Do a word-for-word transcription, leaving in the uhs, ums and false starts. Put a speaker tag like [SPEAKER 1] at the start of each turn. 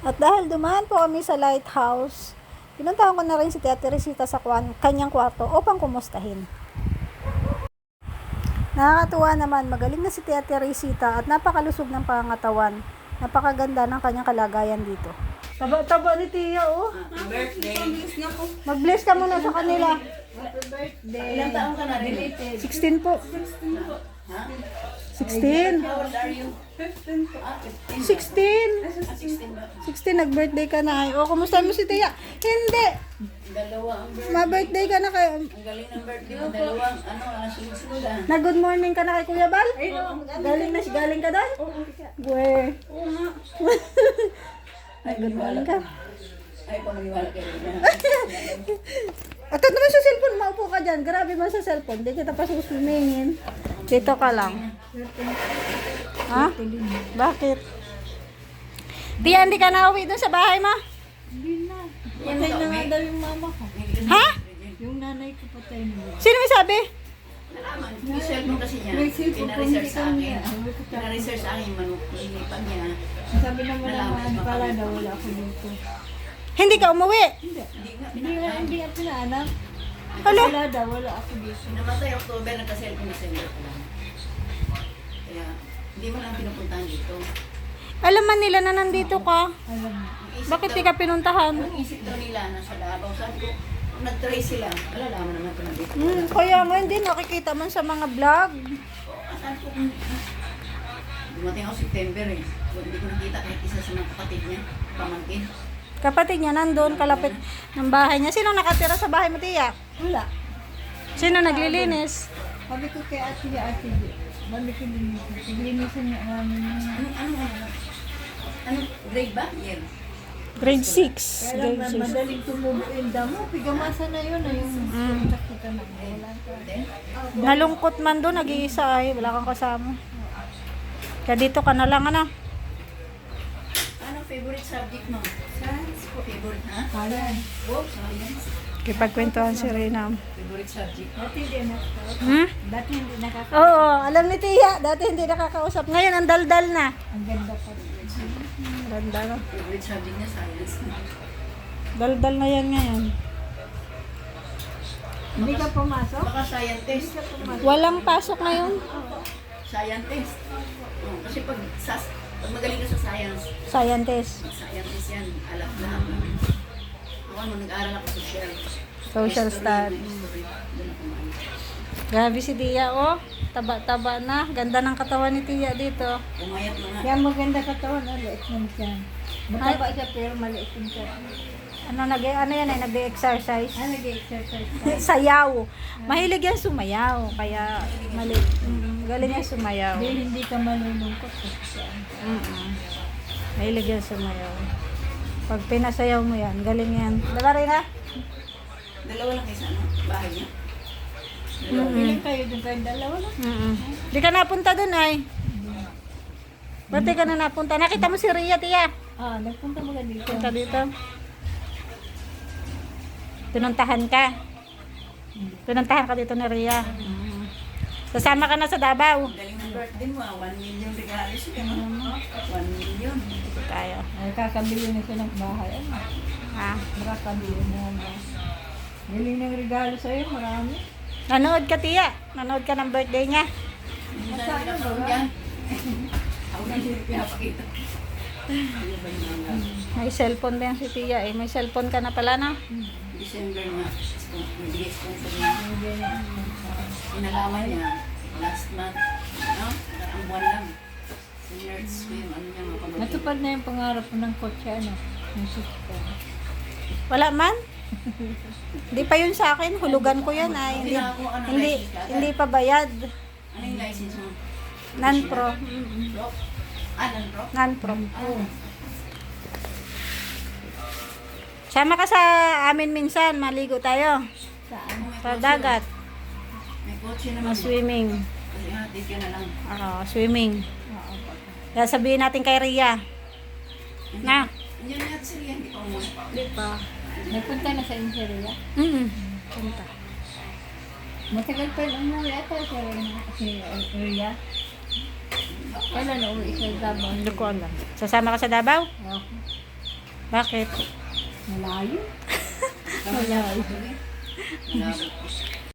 [SPEAKER 1] At dahil dumaan po kami sa lighthouse, pinuntahan ko na rin si Tia Teresita sa kwan- kanyang kwarto upang kumustahin. Nakakatuwa naman, magaling na si Tia Teresita at napakalusog ng pangangatawan. Napakaganda ng kanyang kalagayan dito. Taba-taba ni Tia, oh.
[SPEAKER 2] Birthday.
[SPEAKER 1] Mag-bless ka muna sa kanila.
[SPEAKER 2] Ilang taon ka na rin?
[SPEAKER 1] sixteen po.
[SPEAKER 2] Ha?
[SPEAKER 1] sixteen.
[SPEAKER 2] How old are you? Ah, fifteen.
[SPEAKER 1] sixteen.
[SPEAKER 2] Ah, sixteen ba?
[SPEAKER 1] sixteen, nag-birthday ka na. Ay, oh, kumusta mo si Tia? Hindi.
[SPEAKER 2] Dalawa ang birthday.
[SPEAKER 1] Ma-birthday ka na kayo.
[SPEAKER 2] Ang galing ng birthday mo. Dalawang, ano, ah, sunod-sunod ah.
[SPEAKER 1] Na good morning ka na kay Kuya Bal? Galing na, galing ka doon? Gwe. Ay, good morning ka.
[SPEAKER 2] Ay, pamaniwala kayo na.
[SPEAKER 1] At ito naman sa cellphone, maupo ka dyan. Grabe man sa cellphone. Hindi kita pa susumingin. Dito ka lang. Ha? Bakit? Tia, hindi ka na uwi dun sa bahay mo?
[SPEAKER 3] Patay na nga daw yung mama ko.
[SPEAKER 1] Ha?
[SPEAKER 3] Yung nanay ko patay na.
[SPEAKER 1] Sino may sabi?
[SPEAKER 2] Nalaman. Yung cellphone kasi niya.
[SPEAKER 3] May cellphone po,
[SPEAKER 2] Pina-research
[SPEAKER 3] hindi
[SPEAKER 2] sa
[SPEAKER 3] kami.
[SPEAKER 2] akin. Pina-research sa akin yung manok. Nilipag niya.
[SPEAKER 3] Sabi naman ng mga pala daw wala ako dito.
[SPEAKER 1] Hindi ka umuwi.
[SPEAKER 3] Hindi.
[SPEAKER 2] Hindi nga.
[SPEAKER 3] Hindi nga, hindi ako na anak.
[SPEAKER 1] Hala.
[SPEAKER 3] Wala daw, wala ako dito.
[SPEAKER 2] Namatay October, nagka-cellphone na sender ko lang. Kaya, hindi mo lang pinupuntahan dito.
[SPEAKER 1] Alam man nila na nandito ka.
[SPEAKER 3] Alam mo.
[SPEAKER 2] Ang isip
[SPEAKER 1] Bakit di
[SPEAKER 2] daw-
[SPEAKER 1] ka pinuntahan?
[SPEAKER 2] Ang isip daw nila, nasa Davao. Sabi ko, kung nag-try sila, alalaman naman ko nandito.
[SPEAKER 1] Hmm, kaya nga hindi nakikita man sa mga vlog.
[SPEAKER 2] Sabi ko, kung dumating ako September eh. So, hindi ko nakita kahit isa sa mga kapatid niya, pamangkin.
[SPEAKER 1] Kapatid niya nandun, kalapit ng bahay niya. Sino nakatira sa bahay mo, Tia?
[SPEAKER 3] Wala.
[SPEAKER 1] Sino naglilinis?
[SPEAKER 3] Sabi ko kay ate niya, ate niya. Sabi ko din, linisan niya namin yun.
[SPEAKER 2] Ano, ano, ano? Ano, grade ba? Year.
[SPEAKER 1] Grade six.
[SPEAKER 3] Kaya lang
[SPEAKER 1] Grade
[SPEAKER 3] na
[SPEAKER 1] six.
[SPEAKER 3] madaling tumubo yung damo. Pigamasa na yun. Na yung
[SPEAKER 1] Mm.
[SPEAKER 3] nakita na. Wala ka.
[SPEAKER 2] Then,
[SPEAKER 1] Nalungkot man doon, nag-iisa ay. Wala kang kasama. Kaya dito ka na lang, ano?
[SPEAKER 2] ano favorite subject mo? Science po. Favorite, ha?
[SPEAKER 3] Kaya.
[SPEAKER 2] Oh, science.
[SPEAKER 1] Kipagkwentuhan si Rina.
[SPEAKER 2] Favorite subject.
[SPEAKER 3] Dati hindi nakakausap.
[SPEAKER 1] Hmm?
[SPEAKER 3] Dati hindi nakakausap.
[SPEAKER 1] Oo, alam ni Tia. Dati hindi nakakausap. Ngayon, ang daldal na.
[SPEAKER 3] Ang ganda pa rin.
[SPEAKER 1] Ganda na.
[SPEAKER 2] Favorite subject niya, science.
[SPEAKER 1] Daldal na yan ngayon.
[SPEAKER 3] Hindi ka pumasok?
[SPEAKER 2] Baka scientist.
[SPEAKER 1] Walang pasok ngayon.
[SPEAKER 2] Scientist. Oh, kasi pag, sa, pag magaling ka sa science,
[SPEAKER 1] Scientist.
[SPEAKER 2] scientist yan, alam lahat. Ako naman, nag-aaral ako social.
[SPEAKER 1] Social
[SPEAKER 2] History,
[SPEAKER 1] studies.
[SPEAKER 2] history. Doon ako maano.
[SPEAKER 1] Grabe si Tia, oh. Taba-taba na. Ganda ng katawan ni Tia dito.
[SPEAKER 2] Pumayat na nga.
[SPEAKER 3] Kaya maganda katawan, maliit lang siya. Mataba siya pero maliit lang siya.
[SPEAKER 1] Ano, nag ano yan eh, nag-exercise.
[SPEAKER 3] Ah, nag-exercise ka.
[SPEAKER 1] Sayaw. Mahilig yan sumayaw. Kaya, mali. Mm, galing yan sumayaw.
[SPEAKER 3] Hindi, hindi ka malulungkot.
[SPEAKER 1] Mm-mm. Mahilig yan sumayaw. Pag pinasayaw mo yan, galing yan. Diba rin ha?
[SPEAKER 2] Dalawa lang kayo sa ano, bahay niya.
[SPEAKER 3] Mm. Ilan kayo doon kayo? Dalawa lang.
[SPEAKER 1] Mm-mm. Di ka napunta dun ay. Ba't di ka na napunta? Nakita mo si Ria, Tia.
[SPEAKER 3] Ah, nagpunta mo ka dito.
[SPEAKER 1] Punta dito. Pinuntahan ka. Pinuntahan ka dito ni Ria. Mm. Sasama ka na sa Davao.
[SPEAKER 2] Galing ng birthday mo, ah. one million regalo siya. No? one million.
[SPEAKER 1] Dito tayo.
[SPEAKER 3] Ay, kakabili na siya ng bahay. Ay,
[SPEAKER 1] Ha?
[SPEAKER 3] makakabili na ng bahay. Bili ng regalo sa'yo, marami.
[SPEAKER 1] Nanood ka, Tia. Nanood ka ng birthday niya.
[SPEAKER 2] Hindi na pinapakita dyan. Ako na hindi pinapakita. Ano ba yung mga
[SPEAKER 1] May cellphone din si Tia eh. May cellphone ka na pala na.
[SPEAKER 2] December na, nabigay sponsor niya. Inalaman niya, last month, ano, ang buwan lang. Senior swim, ano niya, mga pamangkin.
[SPEAKER 3] Natupad na yung pangarap mo ng kotse, ano? Yung sister.
[SPEAKER 1] Wala man. Hindi pa yun sa akin. Hulugan ko yan ay. Hindi, hindi, hindi pa bayad.
[SPEAKER 2] Ano yung license mo?
[SPEAKER 1] Non-pro.
[SPEAKER 2] Pro? Ah, non-pro?
[SPEAKER 1] Non-pro.
[SPEAKER 2] Ah,
[SPEAKER 1] Sama ka sa amin minsan. Maligo tayo.
[SPEAKER 3] Saan?
[SPEAKER 1] Sa dagat.
[SPEAKER 2] may kotse naman.
[SPEAKER 1] Ma-swimming.
[SPEAKER 2] Kasi hatid ka na lang.
[SPEAKER 1] Oo, swimming.
[SPEAKER 3] Oo.
[SPEAKER 1] Kaya sabihin natin kay Ria. Na.
[SPEAKER 2] Yan yan sila, hindi pa umuwi.
[SPEAKER 1] Hindi pa.
[SPEAKER 3] Nagpunta na sa Inseria.
[SPEAKER 1] Mm Punta.
[SPEAKER 3] Matagal pa yung umuwi ata sa si Ria. Kailan na uwi sa Davao?
[SPEAKER 1] Hindi ko alam. Sasama ka sa Davao?
[SPEAKER 3] Okay.
[SPEAKER 1] Bakit?
[SPEAKER 3] Malayo.
[SPEAKER 2] Malayo. Malayo.